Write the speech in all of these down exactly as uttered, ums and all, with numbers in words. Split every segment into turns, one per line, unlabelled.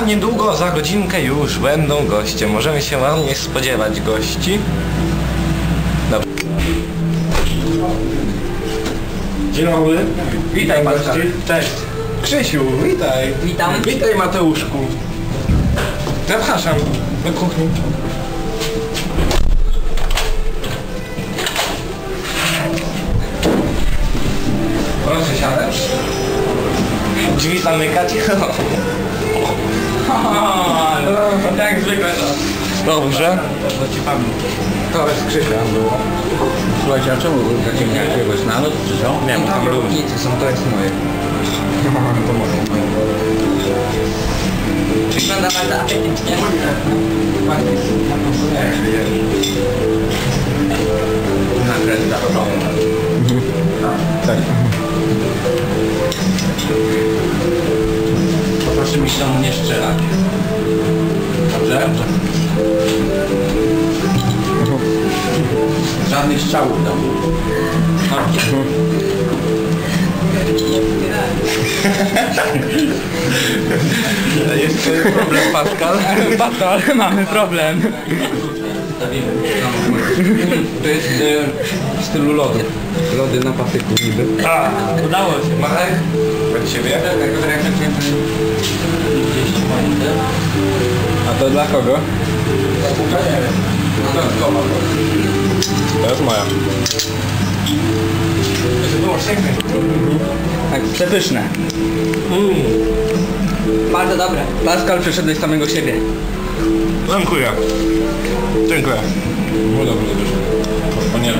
A niedługo, za godzinkę już będą goście. Możemy się ładnie spodziewać gości. Dobrze. Dzień dobry.
Witaj Marcin.
Cześć. Krzysiu, witaj.
Witam.
Witaj Mateuszku. Zapraszam do kuchni. Proszę siadać. Drzwi zamykać.
Jak zwykle to.
Dobrze. To jest Krzysia było.
Słuchajcie, a czemu takiego jakiegoś nalot czy co?
Nie wiem, tam lubi.
Nic, są to jest moje.
To może.
Wygląda bardzo apetycznie.
Nakręta.
Tak.
Proszę mi się tam nie strzelać. Dobrze?
Żadnych strzałów tam.
Jest problem, Pascal.
Pascal, mamy problem.
To jest e, w stylu lodu. Lody na patyku niby.
A,
Udało się.
Marek? Od ciebie?
A to dla kogo?
To jest moja.
Tak, przepyszne.
Mm.
Bardzo dobre.
Pascal przeszedłeś samego siebie.
Dziękuję. Dziękuję.
No dobrze, dobrze. O nie.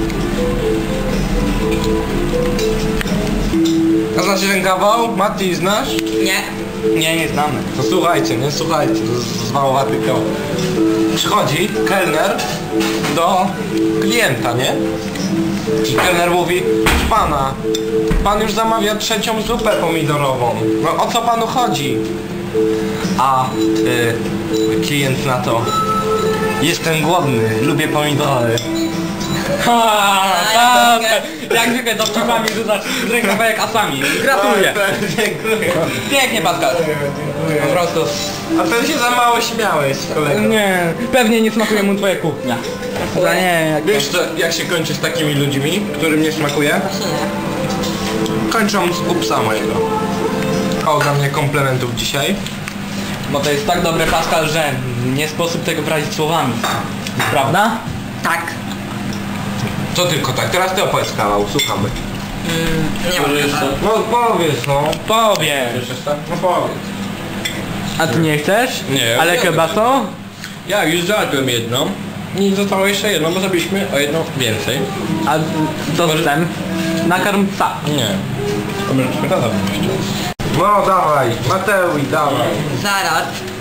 A znasz ten kawał? Mati, znasz?
Nie.
Nie, nie znamy. To słuchajcie, nie słuchajcie, to jest zwałowaty kawał. Przychodzi kelner do klienta, nie? I kelner mówi: pana, pan już zamawia trzecią zupę pomidorową. No o co panu chodzi? A y, klient na to: jestem głodny, lubię pomidory.
Ha, tak. Jak zwykle dowcipami rzucasz rękawa jak asami. Gratuluję.
Dziękuję.
Pięknie Pascal. Po prostu.
A ty się za mało śmiałeś, kolego.
Nie, pewnie nie smakuje mu twoja kuchnia. Za nie, jak
Wiesz co, jak się kończy z takimi ludźmi, którym nie smakuje? Kończą z upsa mojego. O, dla mnie komplementów dzisiaj.
Bo to jest tak dobre Pascal, że nie sposób tego wyrazić słowami. Prawda? Tak.
To tylko tak, teraz ty opowiedz kawał, słuchamy.
Mm, nie ma jeszcze.
No powiedz, no.
Powiesz.
No powiedz.
A ty nie chcesz?
Nie.
Ale
Ja
kiełbaso?
Ja już zjadłem jedną. I zostało jeszcze jedno, bo zrobiliśmy o jedną więcej.
A dostęp? Nakarm psa.
Nie. To może czekoladę jeszcze. No dawaj, Mateusz, dawaj.
Zaraz.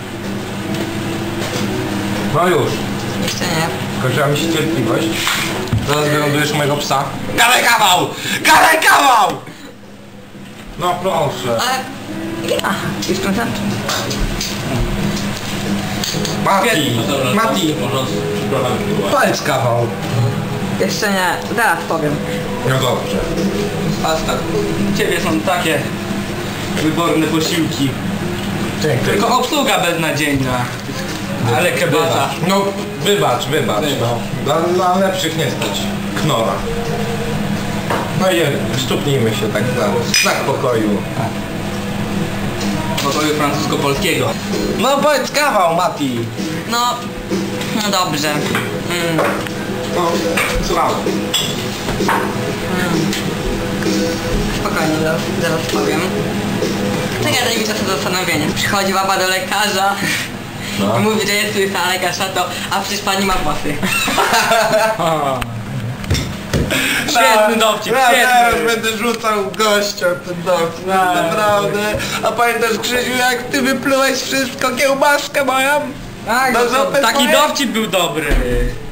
No już.
Jeszcze nie.
Skończyła mi się cierpliwość. Zaraz wylądujesz mojego psa. Gadaj kawał! Gadaj kawał! No proszę.
Ale... Aha, już kończę?
Mati, Mati, powiedz kawał.
Jeszcze nie. Zaraz powiem.
No dobrze.
Pascal, u ciebie są takie wyborne posiłki.
Dziękuję.
Tylko obsługa beznadziejna. Ale kebasa.
Wybacz. No wybacz, wybacz. No. Dla, dla lepszych nie stać. Knora. No i stuknijmy się tak na znak pokoju.
Pokoju francusko-polskiego.
No powiedz kawał, Mati.
No... No dobrze. Mm.
No, słucham.
Spokojnie, zaraz, zaraz powiem. Czekaj, daj mi czas na zastanowienie. Przychodzi baba do lekarza
No.
i mówi, że jest łysa, a lekarz na to, a przecież pani ma włosy.
Świetny dowcip,
Ja teraz
świetny.
będę rzucał gościa ten dowcip,
No.
naprawdę. A pamiętasz, Krzysiu, jak ty wyplułeś wszystko, kiełbaskę moją?
Tak,
Do
no to
zupy
taki
twojej?
dowcip był dobry.